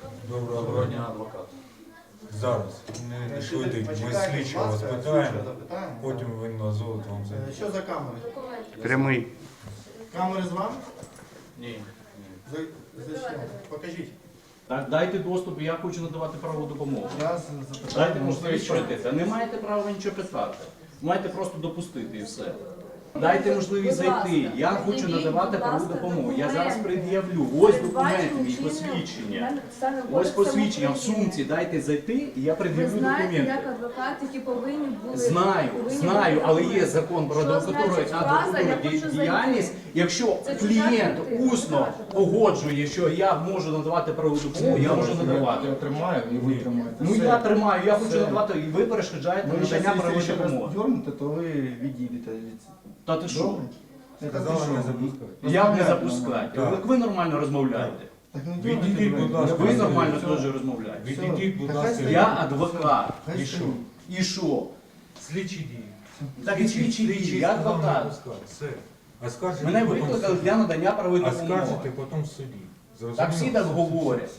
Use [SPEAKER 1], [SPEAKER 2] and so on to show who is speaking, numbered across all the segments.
[SPEAKER 1] Доброго дня, адвокат. Зараз, не швидить, ми слідчого вас питаємо, потім ви назвете вам це.
[SPEAKER 2] Що за камери?
[SPEAKER 3] Прямий.
[SPEAKER 2] Камери з вами?
[SPEAKER 1] Ні.
[SPEAKER 2] Зачем? Покажіть.
[SPEAKER 4] Так, дайте доступ, я хочу надавати правову допомогу.
[SPEAKER 2] Я запитаю.
[SPEAKER 4] Дайте можливість пройтися. Не маєте права нічого питати. Маєте просто допустити і все. Дайте можливість зайти. Я хочу надавати правову допомогу. Я зараз пред'явлю. Ось документ мій, посвідчення. Ось посвідчення в сумці. Дайте зайти, і я
[SPEAKER 5] Ви
[SPEAKER 4] пред'явлю
[SPEAKER 5] знаєте,
[SPEAKER 4] документи.
[SPEAKER 5] як адвокати, які повинні були...
[SPEAKER 4] Знаю, але є закон про адвокатуру і адвокатурну діяльність. Якщо клієнт усно погоджує, що я можу надавати правову допомогу, я можу надавати.
[SPEAKER 2] Я тримаю і ви тримаєте.
[SPEAKER 4] Ну я тримаю, я хочу надавати, і ви перешкоджаєте надання правової допомоги.
[SPEAKER 2] дернете, то ви відійдете від...
[SPEAKER 4] Та ти що?
[SPEAKER 1] Сказали не запускати.
[SPEAKER 4] Як не запускати?
[SPEAKER 1] Так.
[SPEAKER 4] Ви нормально розмовляєте.
[SPEAKER 2] Так не
[SPEAKER 1] Відійдіть,
[SPEAKER 2] дернете,
[SPEAKER 1] будь ласка.
[SPEAKER 4] Ви нормально теж розмовляєте.
[SPEAKER 1] Відійдіть, будь ласка.
[SPEAKER 4] Я адвокат.
[SPEAKER 2] Хай
[SPEAKER 1] І що?
[SPEAKER 2] стоїть.
[SPEAKER 4] І що?
[SPEAKER 1] Слідчі дії.
[SPEAKER 4] Так і слідчі дії, я
[SPEAKER 1] сказав не
[SPEAKER 4] адвокат.
[SPEAKER 1] пускати. Все. А скажете
[SPEAKER 4] Мене
[SPEAKER 1] потім в
[SPEAKER 4] викликали
[SPEAKER 1] суді.
[SPEAKER 4] для надання правової
[SPEAKER 1] А скажете
[SPEAKER 4] допомоги.
[SPEAKER 1] потім в суді.
[SPEAKER 4] Так всі так говорять.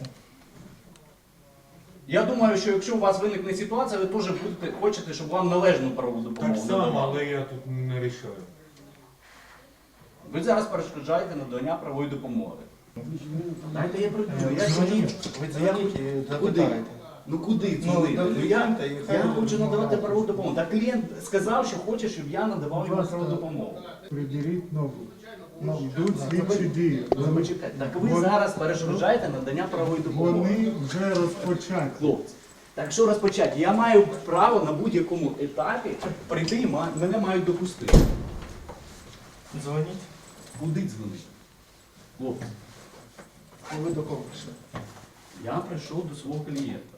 [SPEAKER 4] Я думаю, що якщо у вас виникне ситуація, ви теж хочете, щоб вам належну правову допомогу
[SPEAKER 1] Так само,
[SPEAKER 4] надавали.
[SPEAKER 1] але я тут не рішаю.
[SPEAKER 4] Ви зараз перешкоджаєте надання правової допомоги. Дайте я пройду. Я сидів.
[SPEAKER 2] Ви дзвоніть і запитаєте.
[SPEAKER 4] Ну куди
[SPEAKER 2] Ну,
[SPEAKER 4] дзвонити?
[SPEAKER 2] до
[SPEAKER 4] Ну, я
[SPEAKER 2] клієнта і хай
[SPEAKER 4] хочу
[SPEAKER 2] він
[SPEAKER 4] надавати
[SPEAKER 2] надає.
[SPEAKER 4] правову допомогу. Так клієнт сказав, що хоче, щоб я надавав йому правову допомогу.
[SPEAKER 6] Приділіть ногу.
[SPEAKER 2] Ну,
[SPEAKER 6] Йдуть слідчі дії.
[SPEAKER 4] Ну, почекайте. Так ви зараз перешкоджаєте надання правової допомоги.
[SPEAKER 6] Вони вже розпочаті.
[SPEAKER 4] Хлопці. Так що розпочати? Я маю право на будь-якому етапі прийти і мене мають допустити.
[SPEAKER 2] Дзвоніть.
[SPEAKER 4] Куди дзвонити? Хлопці,
[SPEAKER 2] Ви до кого прийшли?
[SPEAKER 4] я прийшов до свого клієнта.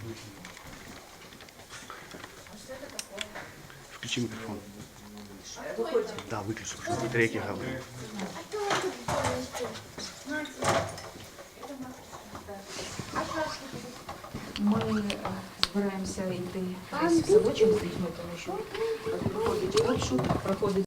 [SPEAKER 3] Включи микрофон. Да, выключи, чтобы какие-то реки говорят.
[SPEAKER 5] Ми збираємося йти в садочок з дітьми, тому що проходить обшук, проходить